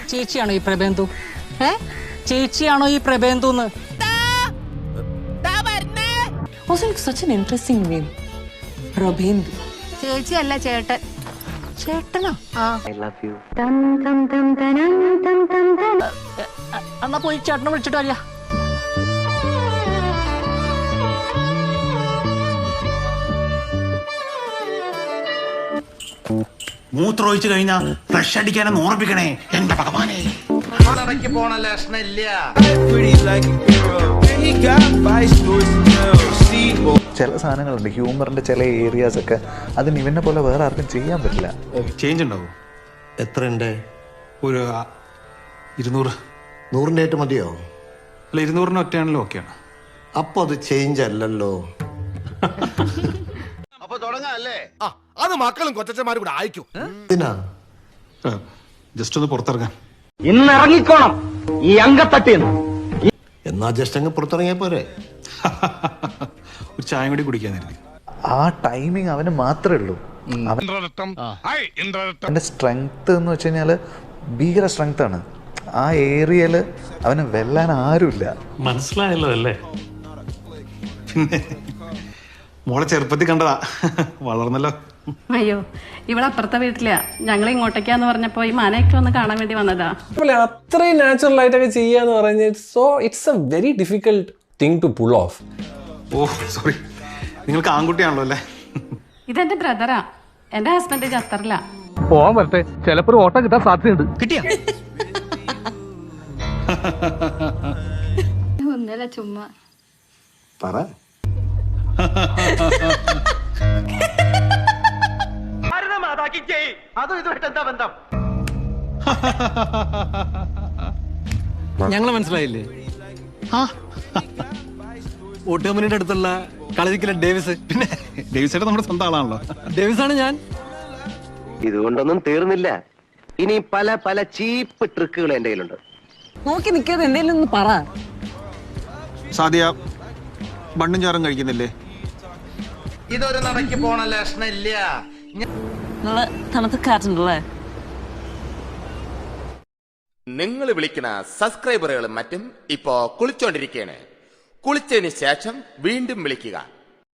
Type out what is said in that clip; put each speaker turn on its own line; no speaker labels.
ചേച്ചിയാണോ ഈ പ്രബേന്ദു? ചേച്ചിയാണോ ഈ പ്രബേന്ദുന്ന്?
such an interesting name. പ്രബേന്ദു.
ചേച്ചിയല്ല ചേട്ടൻ. ചേട്ടനാ?
I love you.
എന്നാ പോയി ചേട്ടനെ വിളിച്ചിട്ട് വരിക.
മൂത്രമൊഴിച്ചു കഴിഞ്ഞാൽ ഫ്ലഷ് അടിക്കാനെന്ന് ഓർമ്മിക്കണേ എന്റെ ഭഗവാനെ.
പോണ ലക്ഷണില്ല.
ചില സാധനങ്ങളുണ്ട്, ഹ്യൂമറിന്റെ ചില ഏരിയാസ് ഒക്കെ അതിന് ഇവനെ പോലെ വേറെ ആർക്കും ചെയ്യാൻ പറ്റില്ല.
ചേഞ്ച് ഉണ്ടാവും.
എത്രയുണ്ട്?
ഒരു 200.
100 മതിയോ?
അല്ല, 200 ഒറ്റയാണല്ലോ. ഓക്കെയാണ്.
അപ്പൊ അത് ചേഞ്ച് അല്ലല്ലോ. അപ്പൊ തുടങ്ങാല്ലേ?
അത് മക്കളും കൊച്ചന്മാരും കൂടെ അയക്കും.
ജസ്റ്റ് ഒന്ന് പുറത്തിറങ്ങാൻ.
ഇന്ന് ഇറങ്ങിക്കോണം ഈ അങ്കത്തട്ടിന്ന്.
എന്നാ ജസ്റ്റ് അങ്ങ് പുറത്തിറങ്ങിയാ പോരെ?
ഒരു ചായ കൂടി കുടിക്കാനായിരുന്നു.
ആ ടൈമിങ് അവന് മാത്രമേ ഉള്ളൂ. അവന്റെ സ്ട്രെങ്ത് എന്ന് വെച്ച് കഴിഞ്ഞാല് ഭീകര സ്ട്രെങ്ത് ആണ്. ആ ഏരിയയില് അവന് വെല്ലാൻ ആരുമില്ല.
മനസ്സിലായല്ലോ അല്ലേ?
പിന്നെ മോളെ ചെറുപ്പത്തിൽ കണ്ടതാ, വളർന്നല്ലോ.
അയ്യോ, ഇവിടെ അപ്പുറത്തെ വീട്ടിലാ. ഞങ്ങൾ ഇങ്ങോട്ടേക്കാന്ന് പറഞ്ഞപ്പോ ഈ മനയൊക്കെ ഒന്ന് കാണാൻ വേണ്ടി വന്നതാ.
അത്രയും നാച്ചുറൽ ആയിട്ടൊക്കെ ചെയ്യാന്ന് പറഞ്ഞാൽ it's a very difficult thing to pull off.
Oh sorry, നിങ്ങൾക്ക് ആൺകുട്ടിയാണല്ലോ അല്ലേ?
ഇതെന്റെ ബ്രദറാ. എന്റെ ഹസ്ബൻഡ് ഖത്തറില.
പോവാൻ വരട്ടെ, ചിലപ്പോ ഒരു ഓട്ടം കിട്ടാൻ സാധ്യതയുണ്ട്.
കിട്ടിയാ?
ഒന്നല്ല, ചുമ്മാ
പറ.
ഞങ്ങളെ മനസ്സിലായില്ലേ? ഓട്ടോമനിയുടെ അടുത്തുള്ള കളരിക്കല ഡേവിസ്.
പിന്നെ ഡേവിസേട്ടൻ നമ്മുടെ സ്വന്തം ആളാണല്ലോ.
ഡേവിസ് ആണ് ഞാൻ.
ഇതുകൊണ്ടൊന്നും തീർന്നില്ല. ഇനി പല പല ചീപ്പ് ട്രിക്കുകൾ എന്റെ കയ്യിലുണ്ട്.
നോക്കി നിൽക്കാതെ എന്തെങ്കിലും ഒന്ന് പറ.
സാദിയ ബണ്ണും ചാറും കഴിക്കുന്നില്ലേ?
ഇതൊരു നടക്ക് പോണ ലക്ഷണില്ല.
നല്ല തണുത്ത കാറ്റുണ്ടല്ലേ?
നിങ്ങൾ വിളിക്കുന്ന സബ്സ്ക്രൈബറുകളും മറ്റും ഇപ്പോ കുളിച്ചോണ്ടിരിക്കുകയാണ്. കുളിച്ചതിന് ശേഷം വീണ്ടും വിളിക്കുക.